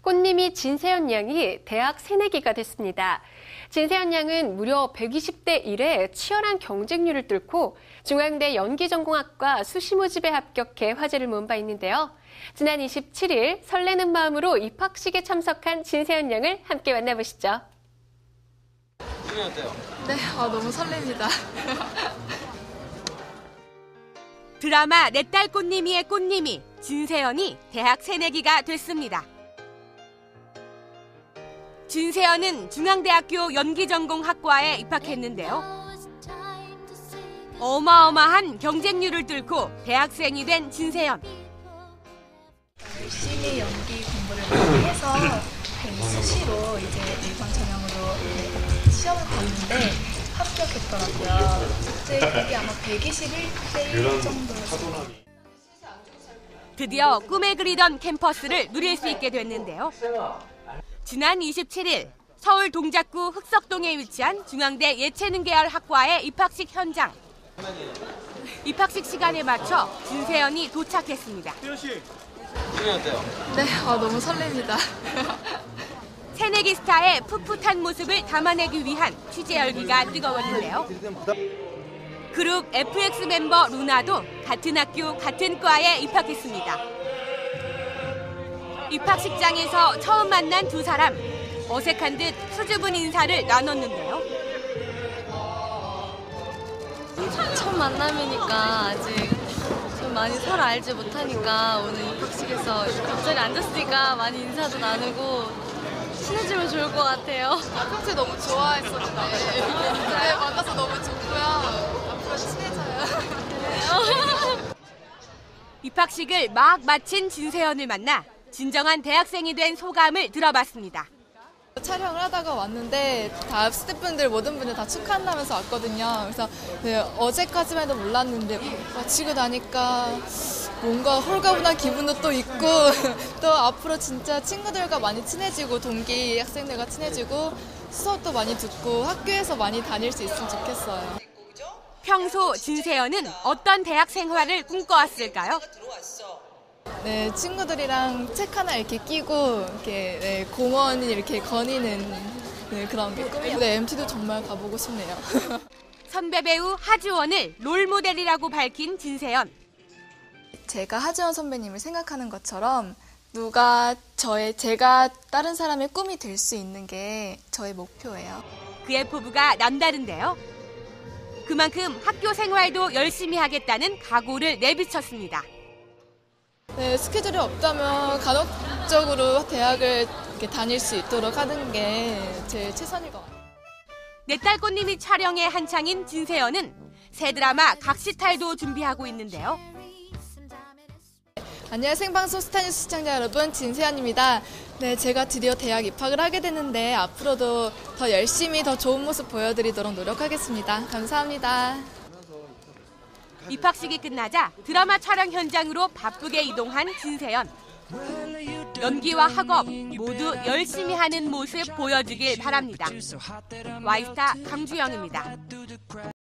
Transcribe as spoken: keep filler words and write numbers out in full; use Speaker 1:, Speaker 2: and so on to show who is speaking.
Speaker 1: 꽃님이 진세연 양이 대학 새내기가 됐습니다. 진세연 양은 무려 백이십 대 일에 치열한 경쟁률을 뚫고 중앙대 연기전공학과 수시 모집에 합격해 화제를 모은 바 있는데요. 지난 이십칠 일 설레는 마음으로 입학식에 참석한 진세연 양을 함께 만나보시죠.
Speaker 2: 기분이 어때요?
Speaker 3: 네, 아, 너무 설렙니다.
Speaker 4: 드라마 내 딸 꽃님이의 꽃님이 진세연이 대학 새내기가 됐습니다. 진세연은 중앙대학교 연기전공학과에 입학했는데요. 어마어마한 경쟁률을 뚫고 대학생이 된 진세연.
Speaker 3: 열심히 연기 공부를 많이 해서 수시로 이제 일반 전형으로 시험을 봤는데 합격했더라고요. 이제 그게 아마 백이십일 대 일 정도였어요.
Speaker 4: 드디어 꿈에 그리던 캠퍼스를 누릴 수 있게 됐는데요. 지난 이십칠 일 서울 동작구 흑석동에 위치한 중앙대 예체능 계열 학과의 입학식 현장. 입학식 시간에 맞춰 진세연이 도착했습니다.
Speaker 2: 세연 씨, 기분이 어때요?
Speaker 3: 네, 아, 너무 설렙니다.
Speaker 4: 새내기 스타의 풋풋한 모습을 담아내기 위한 취재 열기가 뜨거웠는데요. 그룹 에프엑스 멤버 루나도 같은 학교 같은 과에 입학했습니다. 입학식장에서 처음 만난 두 사람, 어색한 듯 수줍은 인사를 나눴는데요.
Speaker 5: 첫 만남이니까 아직 좀 많이 서로 알지 못하니까 오늘 입학식에서 옆자리에 앉았으니까 많이 인사도 나누고 친해지면 좋을 것 같아요.
Speaker 3: 평소에 너무 좋아했었는데 네, 만나서 너무 좋고요. 앞으로 친해져요.
Speaker 4: 입학식을 막 마친 진세연을 만나 진정한 대학생이 된 소감을 들어봤습니다.
Speaker 3: 촬영을 하다가 왔는데 다 스태프분들 모든 분들 다 축하한다면서 왔거든요. 그래서 네, 어제까지만 해도 몰랐는데 마치고 나니까 뭔가 홀가분한 기분도 또 있고 또 앞으로 진짜 친구들과 많이 친해지고 동기 학생들과 친해지고 수업도 많이 듣고 학교에서 많이 다닐 수 있으면 좋겠어요.
Speaker 4: 평소 진세연은 어떤 대학 생활을 꿈꿔왔을까요?
Speaker 3: 네, 친구들이랑 책 하나 이렇게 끼고 이렇게 네, 공원 이렇게 거니는 네, 그런 게 꿈이에요. 네, 엠티도 정말 가보고 싶네요.
Speaker 4: 선배 배우 하주원을 롤모델이라고 밝힌 진세연.
Speaker 3: 제가 하지원 선배님을 생각하는 것처럼 누가 저의 제가 다른 사람의 꿈이 될 수 있는 게 저의 목표예요.
Speaker 4: 그의 포부가 남다른데요. 그만큼 학교 생활도 열심히 하겠다는 각오를 내비쳤습니다.
Speaker 3: 네, 스케줄이 없다면 간혹적으로 대학을 이렇게 다닐 수 있도록 하는 게 제일 최선일 것 같아요.
Speaker 4: 내 딸 꽃님이 촬영에 한창인 진세연은 새 드라마 각시탈도 준비하고 있는데요.
Speaker 3: 안녕하세요, 생방송 스타뉴스 시청자 여러분, 진세연입니다. 네, 제가 드디어 대학 입학을 하게 됐는데 앞으로도 더 열심히 더 좋은 모습 보여드리도록 노력하겠습니다. 감사합니다.
Speaker 4: 입학식이 끝나자 드라마 촬영 현장으로 바쁘게 이동한 진세연. 연기와 학업 모두 열심히 하는 모습 보여주길 바랍니다. 와이스타 강주영입니다.